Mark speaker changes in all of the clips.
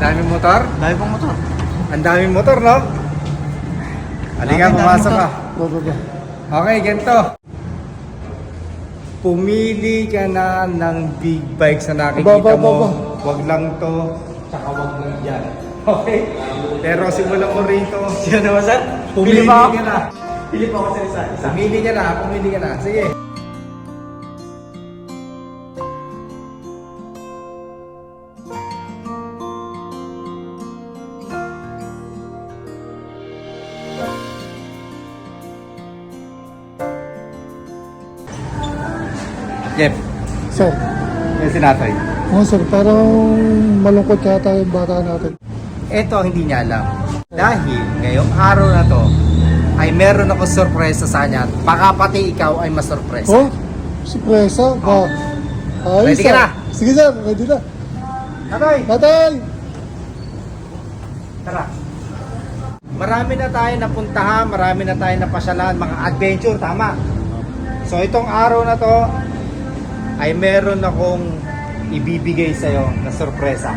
Speaker 1: Daming motor?
Speaker 2: Dami pang motor.
Speaker 1: Ang daming motor, no? Halika, pumasok ka. Okay, ganito. Pumili ka na ng big bikes na nakikita mo. Wag lang to, tsaka wag lang yan. Okay? Pero simulan mo rito.
Speaker 2: Sino naman, sir?
Speaker 1: Pumili ka na.
Speaker 2: Pili pa ako sa isa.
Speaker 1: Pumili ka na. Sige. Jeff,
Speaker 3: Sir,
Speaker 1: yung sinatay.
Speaker 3: sir, parang malungkot yata yung bata natin.
Speaker 1: Ito ang hindi niya alam. Dahil ngayong araw na to, ay meron ako sorpresa sa kanya. Baka pati ikaw ay masurpresa.
Speaker 3: Oh, surpresa? Ba? Ay,
Speaker 1: Ready ka
Speaker 3: sir.
Speaker 1: na?
Speaker 3: Sige, sir, ready na.
Speaker 1: Tatay,
Speaker 3: Tatay!
Speaker 1: tara. Marami na tayo napuntahan, marami na tayo napasyalan, mga adventure, tama. So itong araw na to, ay meron akong ibibigay sa'yo na sorpresa.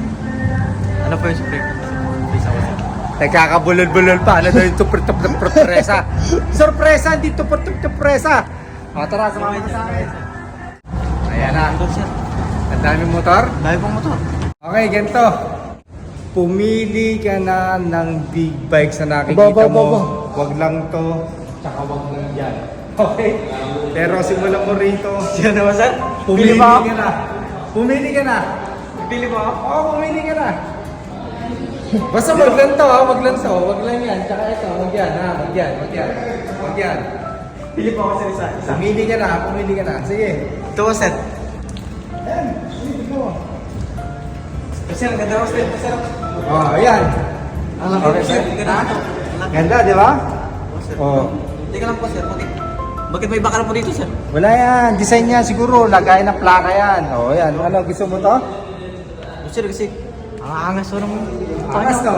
Speaker 2: Ano po yung supreme? Please ako, sir.
Speaker 1: Nagkakabulol-bulol pa. Ano daw yung sorpresa? Sorpresa, hindi sorpresa. O tara, sumama ka sa akin. Ayan na.
Speaker 2: Motor, sir.
Speaker 1: Ang daming motor?
Speaker 2: Dami pang motor.
Speaker 1: Okay, ganito. Pumili ka na ng big bikes na nakikita mo. Wag lang to, tsaka wag lang yan. Okay? Pero simulan mo rito.
Speaker 2: Sino naman, sir?
Speaker 1: Pumili
Speaker 2: pa ako.
Speaker 1: ka na. Pumili ka na.
Speaker 2: Pili pa ako.
Speaker 1: Oo, pumili ka na. Basta wag lang to, ha? Wag lang to. Wag lang yan. Tsaka ito, wag yan, ha? Wag yan, wag yan. Wag yan.
Speaker 2: Pili pa ako, sir, isa.
Speaker 1: Pumili ka na, pumili ka na. Sige.
Speaker 2: Ito po, sir.
Speaker 1: Ayan, pumili mo.
Speaker 2: Sir, ang ganda ko, sir. Sir.
Speaker 1: Oh, ayan.
Speaker 2: Alam
Speaker 1: Okay,
Speaker 2: sir.
Speaker 1: sir.
Speaker 2: Ganda ito.
Speaker 1: Ganda, di ba?
Speaker 2: Sir.
Speaker 1: Oh.
Speaker 2: Teka lang po, sir. Bakit may bakal po dito, sir?
Speaker 1: Wala yan. Design niya siguro. Lagay ng plaka yan. Oh, ayan. Ano, gusto mo to?
Speaker 2: Sir, kasi ang angas ko naman.
Speaker 1: Angas to.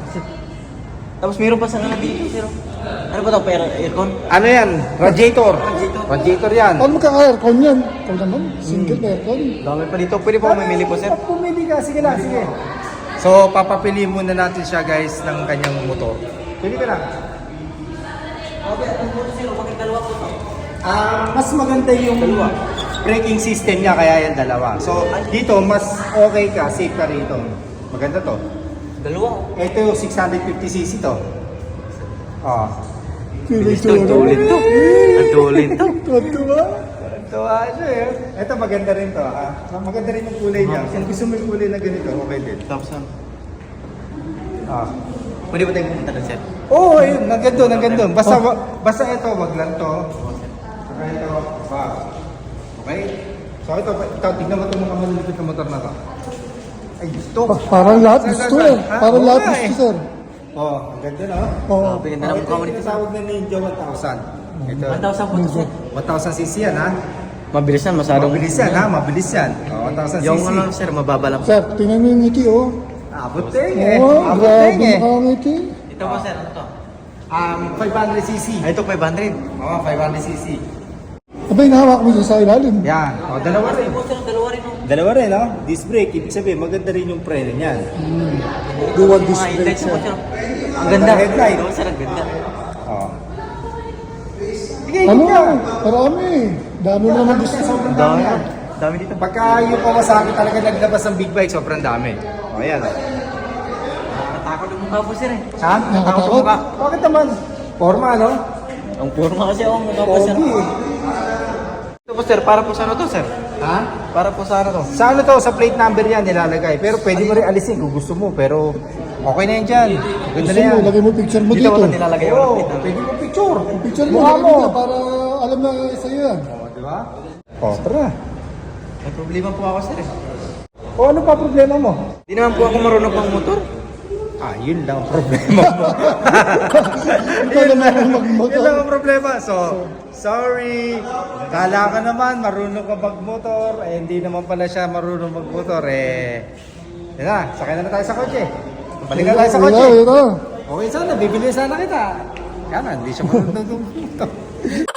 Speaker 2: Tapos meron pa sa dito, sir. Ano ba ito? Pero aircon?
Speaker 1: Ano yan? Radiator. Radiator yan.
Speaker 3: Paano magka-aircon yan? Ikaw naman, single aircon.
Speaker 2: Dami pa dito. Pwede po mamili po, sir.
Speaker 1: Pumili ka. Sige lang, sige. So, papapili muna natin siya, guys, ng kanyang motor. Pili ka lang.
Speaker 2: Okay, ano po, sir? Bakit dalawa po ito?
Speaker 1: Mas maganda yung braking system niya, kaya yan dalawa. So, dito, mas okay ka, safe ka rito. Maganda to.
Speaker 2: Dalawa.
Speaker 1: Ito yung 650cc to. Oh.
Speaker 3: Tulin
Speaker 2: Tulin to. Ang tulin to.
Speaker 3: Tuwa?
Speaker 1: Ito, ano eh. Ito, maganda rin to. Maganda rin yung kulay niya. Kung gusto mo yung kulay na ganito, okay din.
Speaker 2: Thompson.
Speaker 1: Ah.
Speaker 2: Pwede ba tayong pumunta doon, sir?
Speaker 1: Oo, ayun, nagandun. Basta ito, wag lang to. Saka ito, wag. Okay? So ito, tignan mo itong mga malulupit na motor na to. Ay, gusto.
Speaker 3: Parang lahat gusto eh.
Speaker 1: Ha?
Speaker 3: Parang
Speaker 1: Oo
Speaker 3: lahat
Speaker 1: nga
Speaker 3: gusto, sir.
Speaker 1: Oh, ang ganda no?
Speaker 3: Oo.
Speaker 2: Ganda ng mukha mo nito, sir.
Speaker 1: Tawag na Ninja 1000. Ito,
Speaker 2: 1,000 po ito, sir.
Speaker 1: 1000cc yan ha?
Speaker 2: Mabilis yan, masyadong.
Speaker 1: Mabilis yan ha? Mabilis yan. Oh, 1000cc.
Speaker 2: Yung ano, sir, mababa lang.
Speaker 3: Sir, tingnan mo yung ngiti, oh.
Speaker 1: Abot teng eh.
Speaker 3: Oo,
Speaker 1: Abot
Speaker 3: grabe
Speaker 1: teng eh.
Speaker 3: mukha ang ngiti.
Speaker 2: Ito po, sir, ano to?
Speaker 1: 500cc.
Speaker 2: Ay, ito 500.
Speaker 1: Oo, 500cc.
Speaker 3: Abay, nahawak mo dyan sa ilalim.
Speaker 1: Yan. O, dalawa rin.
Speaker 2: Po, sir, dalawa rin. Oh.
Speaker 1: Dalawa rin, no? Disc brake. Ibig sabihin, maganda rin yung preno niyan.
Speaker 3: Dual
Speaker 2: Mga
Speaker 3: disc brake,
Speaker 2: headlights po,
Speaker 3: sir.
Speaker 2: sir. Ang ganda.
Speaker 1: Headlight.
Speaker 2: Oo, sir, ang ganda.
Speaker 1: Oo. Sige,
Speaker 3: Ano?
Speaker 1: ikot ka.
Speaker 3: Marami. Dami mo naman gusto.
Speaker 1: Sobrang
Speaker 2: Ang
Speaker 1: dami
Speaker 2: dami.
Speaker 1: yan.
Speaker 2: Dami dito.
Speaker 1: Pagka yung Kawasaki talaga naglabas ng big bike, sobrang dami. O, ayan.
Speaker 2: Natakot yung mukha po, sir, eh.
Speaker 1: Ha?
Speaker 3: Nakatakot?
Speaker 1: yung mukha. Bakit naman? Forma, no?
Speaker 2: Ang forma kasi ako, mukha po, sir.
Speaker 1: Pogi.
Speaker 2: Ito po, sir, para po sa ano to, sir?
Speaker 1: Ha?
Speaker 2: Para po sa ano to?
Speaker 1: Sa ano to? Sa plate number yan nilalagay. Pero pwede mo rin alisin kung gusto mo. Pero okay na yan dyan. Ganda
Speaker 3: Gusto
Speaker 1: na
Speaker 3: mo,
Speaker 1: yan.
Speaker 3: lagay mo picture mo
Speaker 2: Dito
Speaker 3: dito.
Speaker 2: ba ito nilalagay ako ng
Speaker 1: Oo,
Speaker 2: plate number?
Speaker 1: pwede mo picture.
Speaker 3: Picture mo,
Speaker 1: Mukha
Speaker 3: lagay
Speaker 1: mo.
Speaker 3: mo dito para alam na sa'yo yan.
Speaker 1: O, di ba? O, tara.
Speaker 2: May problema po ako, sir, eh.
Speaker 1: O, ano pa problema mo?
Speaker 2: Di naman po ako marunong pang motor.
Speaker 1: Ah, yun lang ang problema mo.
Speaker 3: Ikaw naman ang magmotor.
Speaker 1: Yun lang ang problema. So, sorry. Kala ka naman marunong ka magmotor. Eh, hindi naman pala siya marunong magmotor. Eh, yun na. Sakay na tayo sa kotse. Balik na tayo sa kotse.
Speaker 3: Ito.
Speaker 1: Okay, sana. Bibili sana kita. Kaya na, hindi siya marunong magmotor.